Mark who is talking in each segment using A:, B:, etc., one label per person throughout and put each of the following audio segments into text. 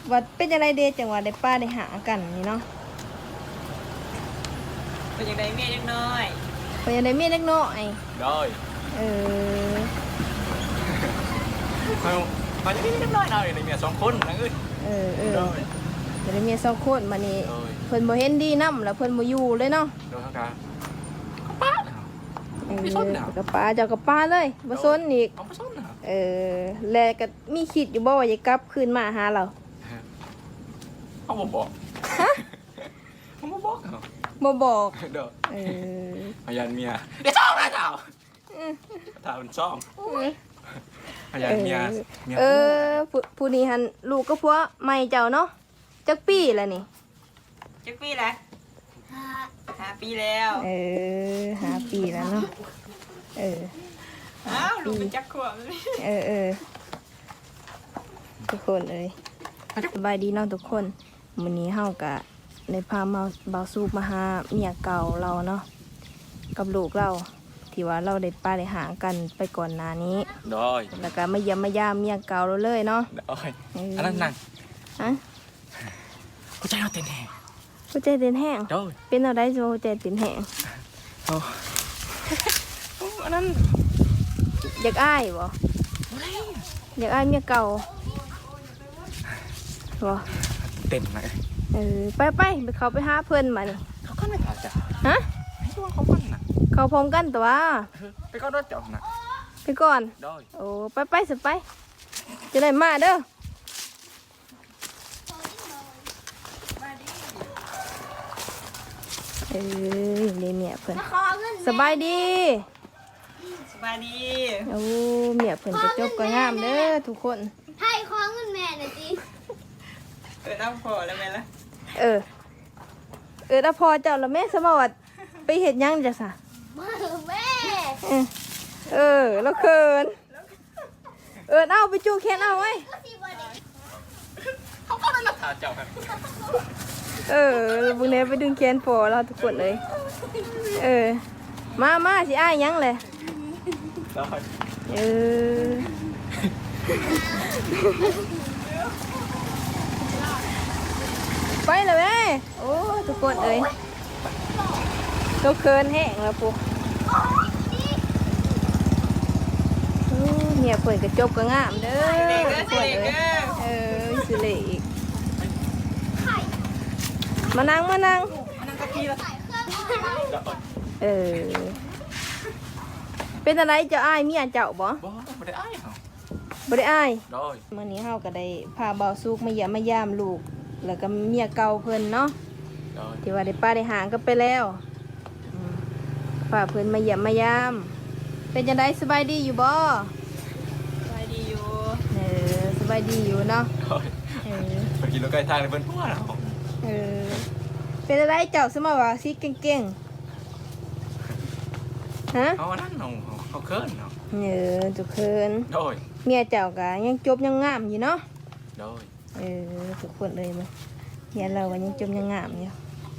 A: ว่าเป็นจังไดเด้จังว่าได้ป้าได้หากันนี่เนาะ
B: เป็นยังไงเมียเล็กน้อย
A: เป็นจังไดเมียเล็กน้อย
C: ได้
A: เออ
C: มันจะมีเล็กน้อยหน่อยในเมีย2 คนนะเอ้ย
A: ได้เมีย2 คนมานี่เพิ่นบ่เห็นดีนำแล้วเพิ่นบ่อยู่เลยเนาะ
C: โดยทางการป้าไม่สนนะ
A: กับป้าเจ้ากับป้าเลยบ่สนอีก
C: ไม่สนนะ
A: แล้วก็มีคิดอยู่บ่ว่าจะกลับคืนมาหาเรา
C: เขาบอกฮะเขาบอก
A: บ่บอก
C: เด้อพยานเมียเดี๋ยวซ่องนะเจ้าถ้ามันซ่องพยานเมีย
A: ผู้นี้หันลูกก็ผัวใหม่เจ้าเนาะจักปีแล้วนี่
B: จักปีแล้ว5 ปีแล้ว
A: 5 ปีแล้วเนาะ
B: อ้าวลูกเป็นจักขวบ
A: ทุกคนสบายดีเนาะทุกคนมื้อนี้เฮาก็ได้พามาบ่าวสูบมาหาเมียเก่าเราเนาะกับลูกเราที่ว่าเราได้ป้าได้หากันไปก่อนหน้านี้
C: ได้
A: แล้วก็มาเยี่ยมมายามเมียเก่าเราเลยเนาะ
C: ได้อันนั้นนั่งหัวใจเราเต้นแห้ง
A: หัวใจเต้นแห้งเป็นอะไรสิหัวใจเต้นแห้ง
C: อันนั้น
A: อยากอ้ายบ่อยากอ้ายเมียเก่าบ่
C: เต้นไหม
A: ไปเขาไปหาเพื่อนมานี่
C: เขาก็ไม่ผ่าจ้ะ
A: ฮะ
C: ให้ตัวเขาปั้นน่ะ
A: เขาพร้อมกันแต่ว่า
C: ไปก็รถจอดน่ะ
A: ไปก่อนโอ้ไปสิไปจะได้มาเด้อเนี่ยเพื่อนสบายดีโอ้เมียเพื่อนจะจบก็งามเด้อทุกคน
D: ให้ขอเงินแม่หน่อยจิ
B: เอาพอแล้วแม่ละ
A: ถ้าพอเจ้าแล้วแม่สมวัติไปเห็ดยังจ้ะสะ
D: แม่
A: แล้วเขินเอาไปจูแขนเอาไว้
C: เขาก็ไม่รักษาเจ้าครับ
A: บุญเนไปดึงแขนพอเราทุกคนเลยมาสิอ้ายยังเลยไปเลยแม่โอ้ทุกคนตัวเคินแห้งแล้วปุ๊เมียเปิดกระจกก็งามเด้อทุกคนสิเละอีกมานั่ง
B: กับพี่ละ
A: เป็นอะไรเจ้าอ้ายเมียเจ้าบ่
C: ไม่ได้อ้ายเหรอ
A: บ่ได้อ้าย
C: ได้
A: มื้อนี้เฮาก็ได้พาบ่าวสุกมาเยี่ยมมายามลูกแล้วก็เมียเก่าเพิ่นเนาะที่ว่าได้ป้าได้หางกันไปแล้วพาเพิ่นมาเยี่ยมมายามเป็นจังได๋สบายดีอยู่บ่
B: สบายดีอยู่
A: สบายดีอยู่เนาะ
C: ไปกินรถไก่ทางเลยเพิ่นพ่อเนาะ
A: เป็นอะไรเจ้าสมาว่าสิเก่งๆฮะ
C: เอานั่นเขาเคินเนาะ
A: จุกเคิน
C: โดย
A: เมียเจ้าก็ยังจบยังงามอยู่เนาะ
C: โดย
A: ทุกคนเลยมั้ยเมียเราก็ยังจบยังงามอยู่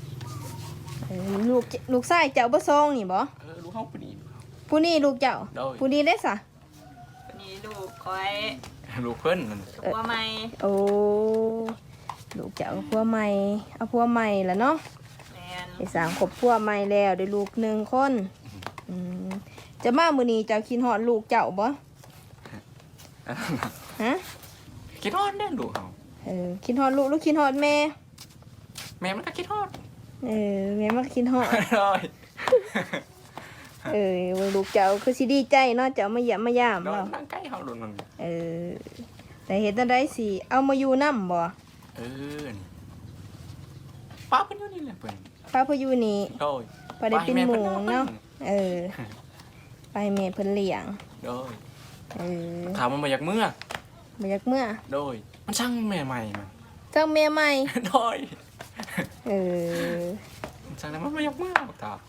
A: ลูกชายเจ้าบ่ซองนี่บ่
C: ลูกเฮา
A: ผู้นี้ลูกเจ้าผู้นี้ได้ซะ
B: ผู้นี้ลูกคอย
C: ลูกเพิ่นนั่น
B: ผัวใหม่
A: โอ้ลูกเจ้าผัวใหม่เอาผัวใหม่แล้วเนาะได้สร้างครอบครัวใหม่แล้วได้ลูก1 คนจะมามื้อนี้เจ้าคิดฮอดลูกเจ้าบ่ฮะ
C: คิดฮอดเด้อลูกเฮา
A: คิดฮอดลูกหรือคิดฮอดแม่
C: มันก็คิดฮอด
A: แม่มันก็คิดฮอดลูกเจ้าคือสิดีใจเนาะเจ้ามาเยี่ยมมายาม
C: เนาะนั่งใกล้เฮาโดนมัน
A: แต่เฮ็ดจังได๋สิเอามาอยู่นำบ่
C: ป้าเพิ่นอยู่นี่แหละเพิ่น
A: ป้าเพิ่นอยู่นี่ป้าได้เป็นหมู่เนาะไปแม่เพิ่นเลี้ยง
C: ถามมันมาจากเมื่อโดยมันช่างแม่ใหม่มัน
A: ช่างแม่ใหม่
C: โดยช่างแล้วมันมาจากเมื่อตา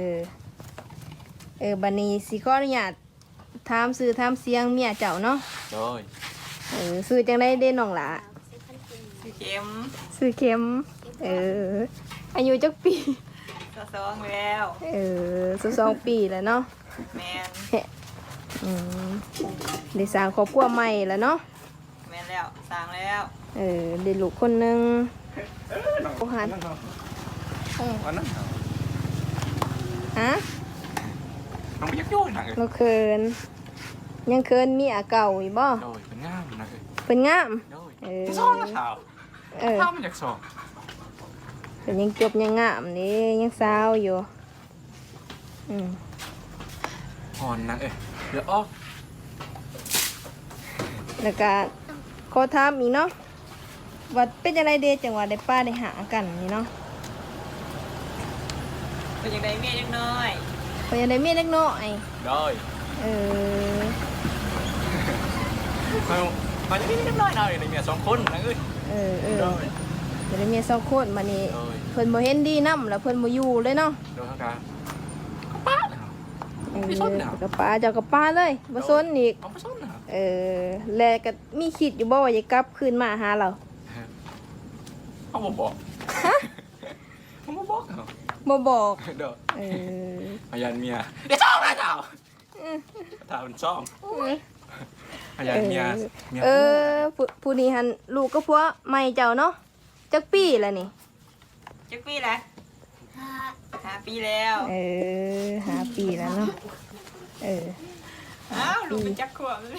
A: บัดนี้สิขออนุญาตถามชื่อถามเสียงเมียเจ้าเนาะ
C: โดย
A: ชื่อจังได๋เด้น้องหล่ะ
B: ชื่อเข็
A: มอายุจักปี
B: 22แล้ว
A: 22 ปีแล้วเนาะ
B: แม่น
A: ได้สร้างครอบครัวใหม่แล้วเนาะ
B: แม่นแล้วสร้างแล้ว
A: ได้ลูกคนหนึง โอ้หัน
C: นั่นเนาะวันนั้นเหรอ
A: ฮะ
C: น้องไปยักยุ่ยหนักเลย
A: เราเคินยังเคินเมียเก่าอีกบ่
C: โดยเป็นง่ามหนักเลย
A: เป็นงาม
C: โดย
A: เออ
C: ที่ซ่องนะสาว
A: เออ
C: ข้าวมันจากซ่อง
A: เป็นยังจบยังงามนี่ยังสาวอยู่อืม
C: หอนหนักเดี๋ยวออก
A: แล้วก็ขอถามอีกเนาะว่าเป็นยังไงเดจังหวะได้ป้าได้หากันนี่เนาะ
B: เป็นยังไงเมียยังน้อย
A: เพราะยังได้เมียเล็กน้อย
C: โดย
A: เออ
C: มันจะมีนิดหน่อยหน่อยในเมียสองคนนะเอ้ย
A: เออ
C: โดย
A: จะได้เมียสองคนมานี่
C: โดย
A: เพิ่นบ่เห็นดีนำแล้วเพิ่นบ่อยู่เลยเนาะ
C: โดยเท่ากันก็ป้าเลยครับ ไม่สนน่ะ
A: กับป้าเจ้ากับป้าเลยบ่สนอีก
C: เอาไปซ่อนนะครับ
A: แล้วก็มีคิดอยู่บ่ว่าจะกลับคืนมาหาเรา
C: เขาบอกเขาบอกเหรอ
A: บ่บอก
C: เด้อ
A: เออ
C: พยานเมียเดี๋ยวซ่องนะสาวสาวมันซ่องพยานเมียเมีย
A: ผู้นี้หันลูกก็ผัวใหม่เจ้าเนาะจักปีแล้วนี่
B: จักปีแล้ว 5 ปีแล้ว
A: หาปีแล้วเนาะเออ
B: อ้าวลูกเป็นจักขวบเลย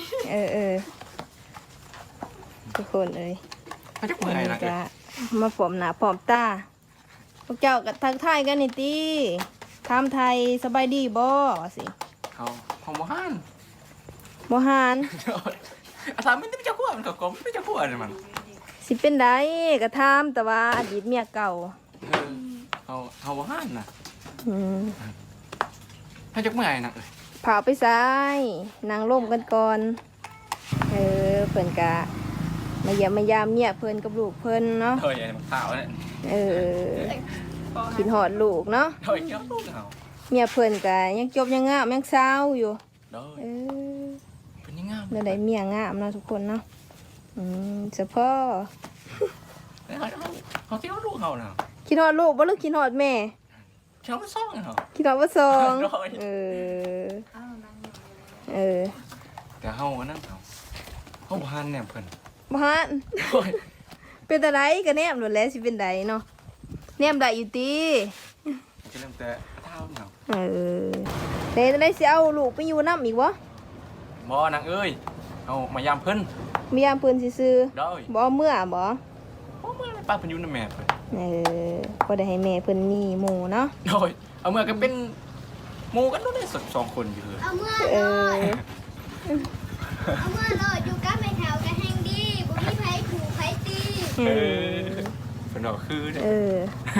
A: ทุกคนเอ้ย
C: เขาจะเมื่อยนะ
A: จะมาผอมหน้าผอมตาพวกเจ้าก็ทักทายกันนี่ติถามไทยสบายดีบ่ว่าสิ
C: เขาโมหัน
A: บ่หาน
C: อาสาไม่ได้จะขั้วมันกับกลมไม่จะขั้วเลยมัน
A: สิเป็นไดก็ถามแต่ว่าอดีตเมียเก่า
C: เขาโมหันนะ
A: อืม
C: เขาจะเมื่อยนะ
A: พาไปซ้ายนางร่มกันก่อนเพิ่นกะมาเยี่ยมมายามเมียเพิ่นกับลูกเพิ่นเนาะ
C: เฮ้ยไอ้มันข่าวเนี่ย
A: กินหอดลูกเนาะ
C: เฮ้ยเจ้าลูกเขา
A: เมียเพิ่นกะยังจบยังงามยังสาวอยู่
C: เด้อ
A: เออ
C: เป็นยังไง
A: แล้วได้เมียงามเนาะทุกคนเนาะเฉพาะ
C: เขาที่เขาลูกเขาเนาะ
A: คิดฮอดลูกบ่หรือคิดฮอดแม่
C: เขาไม่ซ่องเนาะ
A: คิดฮอดว่าสอง
C: โดย
A: เออ
C: แต่เขาอันนั้นเขาบ้านเนี่ยเพิ่น
A: บ่ฮัน
C: โอ้ย
A: เป็นตาไดก็แนมโดดแล้วสิเป็นไดเนาะแนมได้อยู่ติ
C: จะเริ่มแต่เท้าเนาะ
A: ได้สิเอาลูกไปอยู่นำอีกบ่
C: บ่นางเอ้ยเอามายามเพิ่น
A: มียามเพิ่นซื่อ
C: เด้อ
A: ๆบ่เอาเมื่อบ่
C: บ่เมื่อป้าเพิ่นอยู่นำแม่เพิ่น
A: บ่ได้ให้แม่เพิ่นมีหมู่เนาะ
C: โดยเอาเมื่อก็เป็นหมู่กันนู่นได้สองคนอยู่เลย
D: เอาเมื่อ
A: เอ
D: เลย
A: อ
D: เอาเมื่อเลยอยู่กับแม่แถวกันแห่งดีบ่มีไผขู่ไผตี
C: เพิ่นบอกคือเนี่ย
A: เออ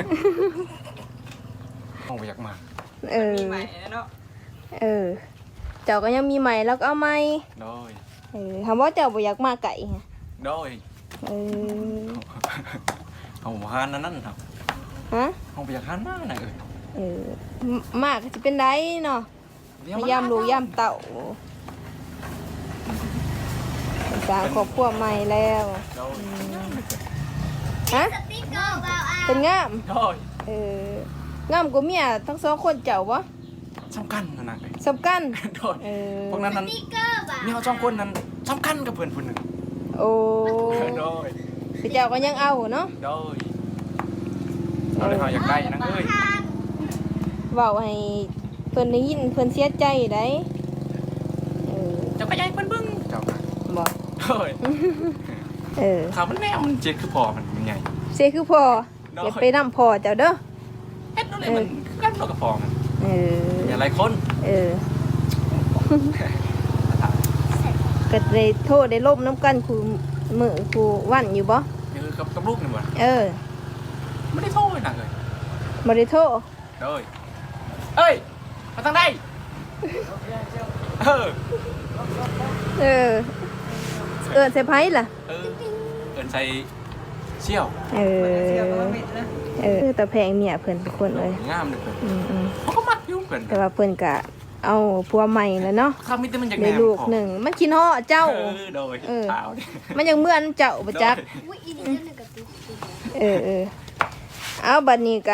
C: ห้องไปอยากมา
B: มีใหม่แล้วเนาะ
A: เจ้าก็ยังมีใหม่แล้วก็เอาใหม่
C: โดย
A: คำว่าเจ้าบ่อยากมาไก่ไง
C: โดย
A: เออ
C: เอาหานนั่นครับ
A: ฮะ
C: ห้องไปอยากหานมากนะ
A: มากก็จะเป็นได้เนาะพยายามลูกยามเต่าสร้างครอบครัวใหม่แล้ว
C: โดย
A: ฮะ
D: สติ๊กเกอร์บ่าวอา
A: เป็นงาม
C: โดย
A: งามกว่าเมียทั้งสองคนเจ้าบ่
C: สำคัญนะนาง
A: สำคัญ
C: โดยพวกนั้น
D: ส
C: นั้น
D: ติ๊กเกอร์บ่าว
C: มีเขาสองคนนั้นสำคัญกับเพื่อนคนหนึ่ง
A: โอ้
C: โดย
A: แต่เจ้าก็ยังเอาเนาะ
C: โดยเราเลยเขาอยากได้นางเอ้ย
D: ทาน
A: เว้าให้เพิ่นได้ยินเพิ่นเสียใจได้เออ
C: เจ้าก็ยายเพิ่นเบิ่งเจ้า
A: บ่
C: โดย ข่าวมันแนวมันเจ็ดคือพอมันใหญ่
A: เสียคือพ่อเก็บไปนำพ่อเจ้าเด้อ
C: เอ็ดนั่นเลยมันกันเรากับพอมัน
A: เออ
C: อย่าไรคน
A: ก็ได้โทษได้ล่มน้ำกันครูมือครูวันอยู่บ่
C: นี่คือกับลูกนี่หมด
A: ไม่ได้
C: โทษหนักเลย
A: บ่ได้โทษ
C: โดยเอ้ยมาทางใดเออ
A: เใส่ไผล่ะ
C: เอินใส่เชี่ยว
B: เสียบมาเม็ดนะ
A: แต่แพงเมียเพิ่นทุกคนเลย
C: งามเลยเพื่อน
A: อืม
C: เขาก็มักยุ่งเพื่อน
A: แต่ว่าเพิ่นก็เอาผัวใหม่แล้วเนาะ
C: ข้ามิตรมันอยาก
A: ได้
C: แนม
A: ลูกหนึ่งมันคิดฮอดเจ้า
C: โดยเท้า
A: มันยังเหมือนเจ้าบ่จัก
D: อุ้ยอีนี่เจ้าหนึ่งกับติ๊ก
A: เอาบัดนี้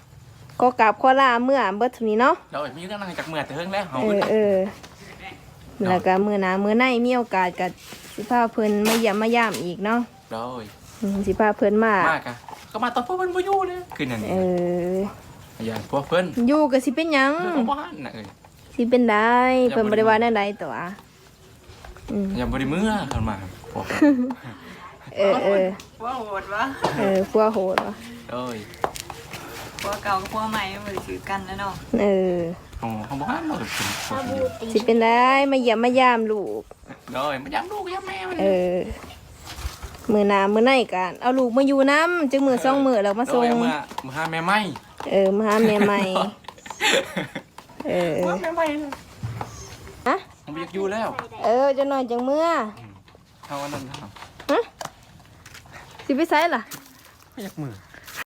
A: ก็กราบขอลาเมื่อเบิดเท่านี้เนาะ
C: โดยมีเรื่องอะไรจากเมื่อแต่เฮิงแล้วเขา
A: เออแล้วก็มื้อหน้ามื้อในมีโอกาสก็สิพาเพิ่นมาเยี่ยมมายามอีกเนาะ
C: โดย
A: สิพาเพิ่นมาม
C: ากอะก็มาตอนพวกเพิ่นบ่อยู่เลยคือนั่น
A: เอ
C: นี่
A: อ
C: พยานพวกเพิ่น
A: อยู่ก็สิเป็นหยัง
C: เพิ่นของบ้านน่ะเอ้ย
A: สิเป็นได้เพิ่นบ่ได้ว่าแนวใดตัว
C: ยังบ่ได้มื้อเข้ามาพวก
A: เออ
B: ว่าโหดวะ
A: พัวโหดว่ะ
C: โดย
B: พวกเก่ากับพวกใหม่มันบ่ได้ถือกันแล้วเนาะ
C: ของบ้านเราเป็น
D: สบู่ตี
A: สิเป็นได้มาเยี่ยมมายามลูก
C: โดยมันยังลูกยังแม่มัน
A: มื้อหน้ามื้อในกันเอาลูกมาอยู่นํจึงมื้อสองมื้อแล้วมาส่ง
C: มาหาแม่ใหม่
A: มาหาแม่ใหม่
C: มาแม่ใหม่เลย
A: ฮะ
C: ผมอยากอยู่แล้ว
A: จะนอนจังมื้อ
C: เท่านั้นเท่า
A: สิไปไสล่ะ
C: ไม่อยากมือ